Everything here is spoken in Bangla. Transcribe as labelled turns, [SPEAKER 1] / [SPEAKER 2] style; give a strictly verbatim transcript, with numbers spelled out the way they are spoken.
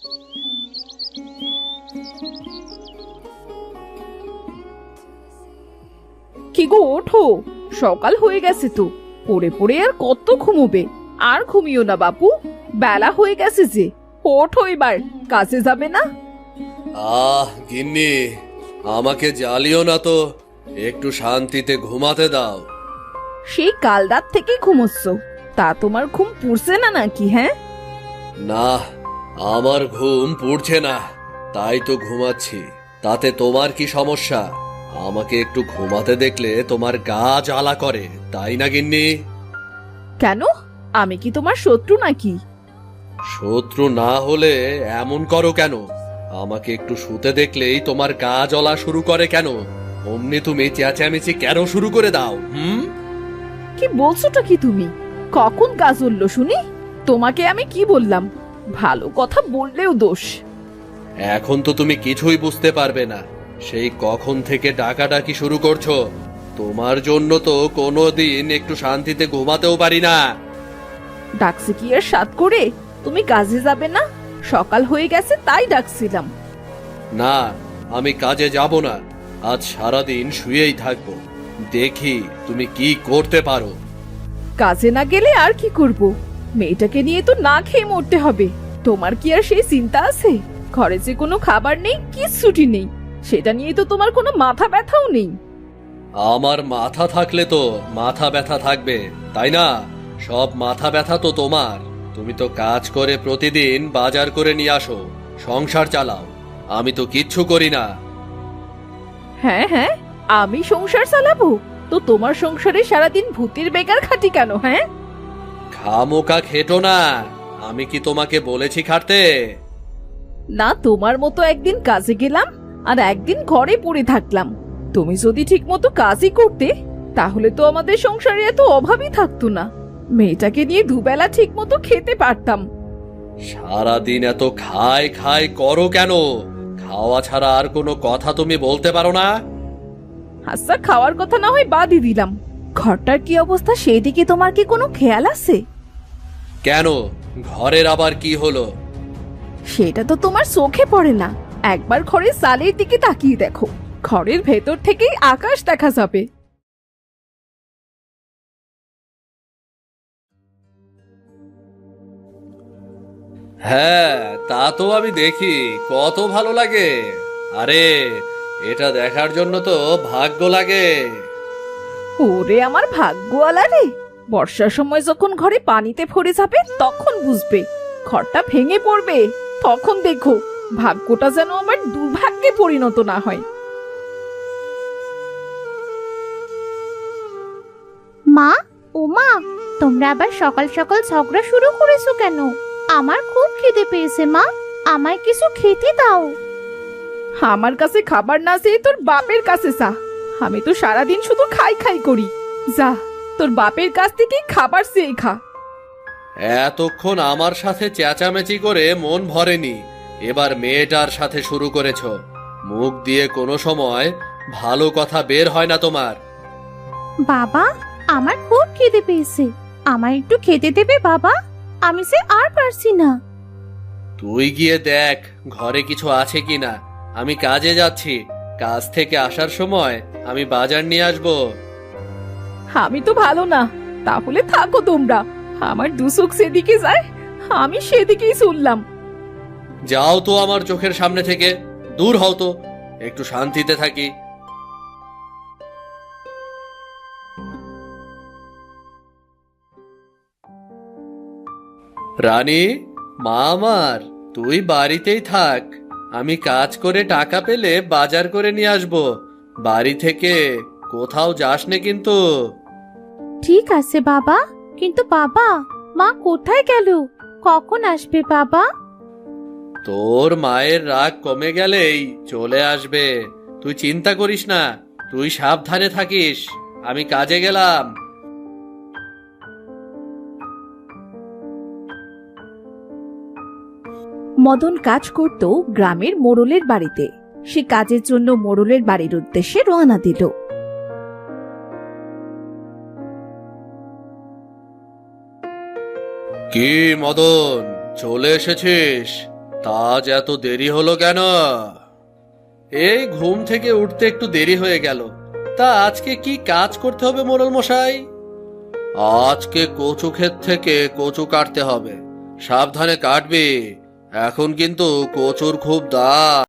[SPEAKER 1] কি গো, ওঠো, সকাল হয়ে গেছে তো। পড়ে পড়ে আর কত ঘুমোবে? আর ঘুমিও না বাপু, বেলা হয়ে গেছে যে। ওঠো এবার, কাজে যাবে না?
[SPEAKER 2] আহ গিন্নি, আমাকে জ্বালিও না তো, একটু শান্তিতে ঘুমাতে দাও।
[SPEAKER 1] সেই কাল রাত থেকে ঘুমোচ্ছ, তা তোমার ঘুম পুড়ছে না নাকি? হ্যাঁ,
[SPEAKER 2] না, আমার ঘুম পুড়ছে না, তাই তো ঘুমাচ্ছি। তাতে তোমার কি সমস্যা? আমাকে একটু ঘুমাতে দেখলে তোমার গা জ্বালা করে, তাই না গিন্নি?
[SPEAKER 1] কেন? আমি কি তোমার শত্রু নাকি?
[SPEAKER 2] শত্রু না হলে এমন করো কেন? আমাকে একটু শুতে দেখলেই তোমার গা জ্বলা শুরু করে কেন? অমনি তুমি চেঁচামেচি কেন শুরু করে দাও? হুম?
[SPEAKER 1] কি বলছোটা কি তুমি? কখন কাজ উঠলো শুনি? তোমাকে আমি কি বললাম? ভালো কথা বললেও দোষ।
[SPEAKER 2] এখন তো তুমি কিছুই বুঝতে পারবে না। সেই কখন থেকে ডাকাডাকি শুরু করছো। তোমার জন্য তো কোনো দিন একটু শান্তিতে ঘুমাতেও পারি না।
[SPEAKER 1] ডাকছে কি আর সাত করে? তুমি কাজে যাবে না? সকাল হয়ে গেছে তাই ডাকছিলাম।
[SPEAKER 2] না, আমি কাজে যাব না। আজ সারাদিন শুয়েই থাকবো। দেখি তুমি কি করতে পারো।
[SPEAKER 1] কাজে না গেলে আর কি করব? মেয়েটাকে নিয়ে তো না খেয়ে মরতে হবে। তোমার কি আর সেই চিন্তা আছে? ঘরে যে কোনো খাবার নেই, কিচ্ছুটি নেই, সেটা নিয়ে তো তোমার কোনো মাথা ব্যথাও নেই।
[SPEAKER 2] আমার মাথা থাকলে তো মাথা ব্যথা থাকবে, তাই না? সব মাথা ব্যথা তো তোমার। তুমি তো কাজ করে প্রতিদিন বাজার করে নিয়ে আসো, সংসার চালাও। আমি তো কিচ্ছু করি না।
[SPEAKER 1] হ্যাঁ হ্যাঁ, আমি সংসার চালাবো? তো তোমার সংসারে সারাদিন ভূতের বেকার খাটি কেন? হ্যাঁ,
[SPEAKER 2] খামোকা খেটো না। আমি কি তোমাকে বলেছি খাটতে?
[SPEAKER 1] না তোমার মতো একদিন কাজে গেলাম আর একদিন ঘরে পড়ে থাকলাম। তুমি যদি ঠিক মতো কাজই করতে, তাহলে তো আমাদের সংসারে এত অভাবই থাকতো না। মেয়েটাকে নিয়ে দুবেলা ঠিক মতো খেতে পারতাম।
[SPEAKER 2] সারাদিন এত খাই খাই করো কেন? খাওয়া ছাড়া আর কোনো কথা তুমি বলতে পারো না?
[SPEAKER 1] আচ্ছা, খাওয়ার কথা না হয় বাদই দিলাম, ঘরটার কি অবস্থা সেদিকে তোমার কি কোনো খেয়াল আছে?
[SPEAKER 2] কেন, ঘরের আবার কি হলো?
[SPEAKER 1] সেটা তো তোমার চোখে পড়ে না। একবার ঘরের চালের দিকে তাকিয়ে দেখো, ঘরের ভেতর থেকেই আকাশ দেখা যাবে।
[SPEAKER 2] হ্যাঁ, তা তো আমি দেখি, কত ভালো লাগে। আরে, এটা দেখার জন্য তো ভাগ্য লাগে।
[SPEAKER 1] ওরে আমার ভাগ্যওয়ালা রে! বর্ষার সময় যখন ঘরে পানিতে ভরে যাবে তখন বুঝবে, ঘরটা ভেঙে পড়বে, তখন দেখো ভাগ্যটা যেন আমার দুর্ভাগ্যে পরিণত না হয়।
[SPEAKER 3] মা, ও মা, তোমরা আবার সকাল সকাল ঝগড়া শুরু করেছো কেন? আমার খুব খিদে পেয়েছে মা, আমায় কিছু খেতে দাও।
[SPEAKER 1] আমার কাছে খাবার না চেয়ে তোর বাপের কাছে চা। আমি তো সারাদিন শুধু খাই খাই করি। যা, তোর বাপের কাছ থেকেই খাবার চেয়ে খা।
[SPEAKER 2] এতক্ষণ আমার সাথে চেঁচামেচি করে মন ভরেনি, এবার মেয়েটার সাথে শুরু করেছো। মুখ দিয়ে কোনো সময় ভালো কথা বের হয় না তোমার।
[SPEAKER 3] বাবা, আমার খুব খিদে পেয়েছে, আমায় একটু খেতে দেবে বাবা? আমি সে আর পারছি না।
[SPEAKER 2] তুই গিয়ে দেখ ঘরে কিছু আছে কিনা। আমি কাজে যাচ্ছি, কাজ থেকে আসার সময় আমি বাজার নিয়ে আসবো।
[SPEAKER 1] আমি তো ভালো না, তাহলে থাকো তোমরা। আমার দুচোখ সেদিকে যায়, আমি সেদিকেই চললাম।
[SPEAKER 2] যাও তো আমার চোখের সামনে থেকে, দূর হও তো, একটু শান্তিতে থাকি। রানী, মা আমার, তুই বাড়িতেই থাক। আমি কাজ করে টাকা পেলে বাজার করে নিয়ে আসবো। বাড়ি থেকে কোথাও যাস নে কিন্তু।
[SPEAKER 3] ঠিক আছে বাবা, কিন্তু বাবা, মা কোথায় গেল? কখন আসবে বাবা?
[SPEAKER 2] তোর মায়ের রাগ কমে গেলেই চলে আসবে। তুই চিন্তা করিস না, তুই সাবধানে থাকিস। আমি কাজে গেলাম।
[SPEAKER 1] মদন কাজ করত গ্রামের মোড়লের বাড়িতে। সে কাজের জন্য মোড়লের বাড়ির উদ্দেশ্যে রওনা দিল।
[SPEAKER 2] কি মদন, চলে এসেছিস? তা আজ এত দেরি হলো কেন? এই ঘুম থেকে উঠতে একটু দেরি হয়ে গেল। তা আজকে কি কাজ করতে হবে মোড়ল মশাই? আজকে কচু ক্ষেত থেকে কচু কাটতে হবে। সাবধানে কাটবি, এখন কিন্তু কচুর খুব দাম।